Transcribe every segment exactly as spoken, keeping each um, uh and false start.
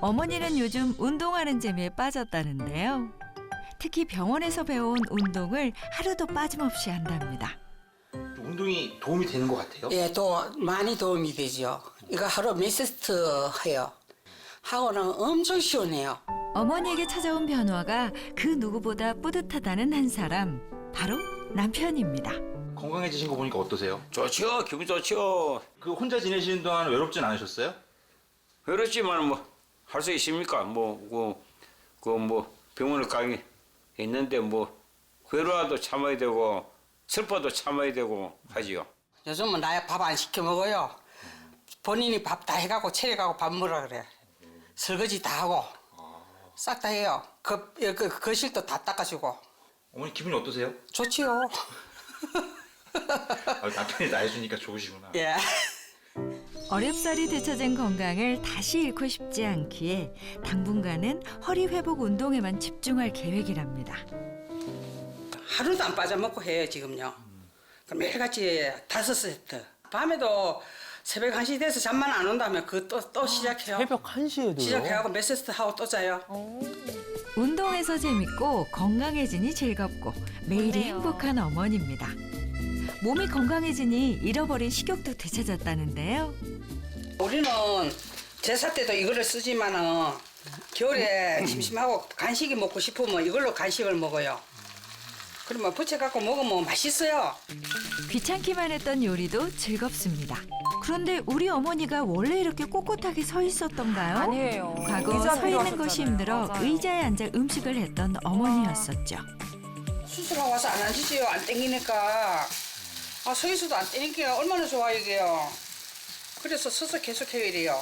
어머니는 요즘 운동하는 재미에 빠졌다는데요. 특히 병원에서 배운 운동을 하루도 빠짐없이 한답니다. 운동이 도움이 되는 것 같아요? 예, 또 많이 도움이 되죠. 이거 하루 몇 세트 해요. 하고는 엄청 시원해요. 어머니에게 찾아온 변화가 그 누구보다 뿌듯하다는 한 사람, 바로 남편입니다. 건강해지신 거 보니까 어떠세요? 좋죠. 기분 좋죠. 그 혼자 지내시는 동안 외롭진 않으셨어요? 그렇지만 뭐 할 수 있습니까? 뭐 그 그 뭐 병원을 가기 있는데 뭐 괴로워도 참아야 되고 슬퍼도 참아야 되고 하지요. 요즘은 나야 밥 안 시켜 먹어요. 본인이 밥 다 해갖고 차려가고 밥 먹으라 그래. 설거지 다 하고 싹 다 해요. 그, 그 거실도 다 닦아주고. 어머니 기분이 어떠세요? 좋지요. 아, 남편이 나 해주니까 좋으시구나. 예. 어렵사리 되찾은 건강을 다시 잃고 싶지 않기에 당분간은 허리 회복 운동에만 집중할 계획이랍니다. 하루도 안 빠져먹고 해요 지금요. 그럼 매일같이 다섯 세트. 밤에도 새벽 한 시 돼서 잠만 안 온다면 그 또 또 시작해요. 새벽 한 시에도요? 시작해갖고 몇 세트 하고 또 자요. 운동에서 재밌고 건강해지니 즐겁고 매일이 행복한 어머니입니다. 몸이 건강해지니 잃어버린 식욕도 되찾았다는데요. 우리는 제사 때도 이거를 쓰지만은 겨울에 심심하고 간식이 먹고 싶으면 이걸로 간식을 먹어요. 그러면 부쳐갖고 먹으면 맛있어요. 귀찮기만 했던 요리도 즐겁습니다. 그런데 우리 어머니가 원래 이렇게 꼿꼿하게 서 있었던가요? 아니에요. 과거 의자 서 있는 것이 필요하셨잖아요. 힘들어 맞아요. 의자에 앉아 음식을 했던 어머니였었죠. 수술하고 와서 안 앉으지요. 안 땡기니까. 아, 서 있어도 안 땡기니까 얼마나 좋아 이게요. 그래서 서서 계속 해요 이래요.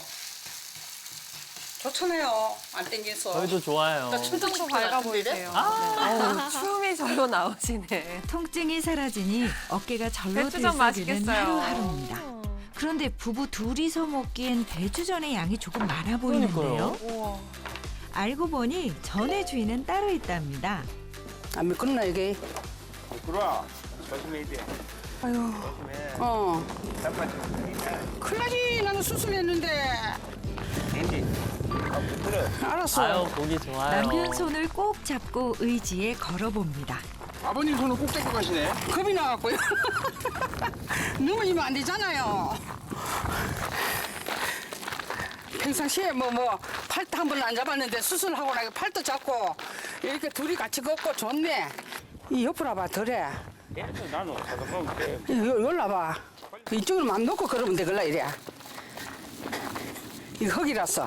좋잖아요. 안 땡겨서. 저희도 좋아요. 나 춤도 도 출 밝아 것 보이세요. 같은데? 네. 춤이 절로 나오시네. 통증이 사라지니 어깨가 절로 배추전 들썩이는 맛있겠어요. 하루하루입니다. 그런데 부부 둘이서 먹기엔 배추전의 양이 조금 많아 보이는데요. 우와. 알고 보니 전의 주인은 따로 있답니다. 안 미끄럽나 이게? 그래. 조심해야 돼. 아유. 어. 큰일 나지. 나는 수술했는데. 알았어. 아유, 보기 좋아요. 남편 손을 꼭 잡고 의지에 걸어봅니다. 아버님 손을 꼭 잡고 가시네. 겁이 나갖고요. 넘어지면 안 되잖아요. 평상시에 뭐 뭐 팔도 한 번은 안 잡았는데 수술하고 나서 팔도 잡고 이렇게 둘이 같이 걷고 좋네. 이 옆으로 와봐 덜해. 나는 잠깐만 돼. 요, 요로 와봐. 이쪽으로 맘 놓고 걸으면 되걸라 이래. 이거 흙이라서.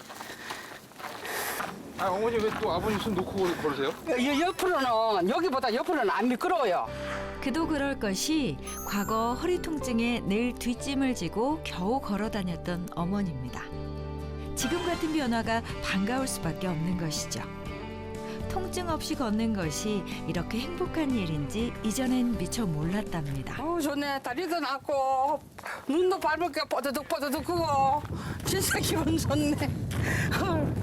아, 어머니 왜 또 아버님 손 놓고 걸으세요? 요, 옆으로는 여기보다 옆으로는 안 미끄러워요. 그도 그럴 것이 과거 허리 통증에 늘 뒷짐을 지고 겨우 걸어 다녔던 어머니입니다. 지금 같은 변화가 반가울 수밖에 없는 것이죠. 통증 없이 걷는 것이 이렇게 행복한 일인지 이전엔 미처 몰랐답니다. 어 좋네. 다리도 낫고 눈도 밟을게 뽀드득 뽀드득 크고 진짜 기분 좋네. 헐.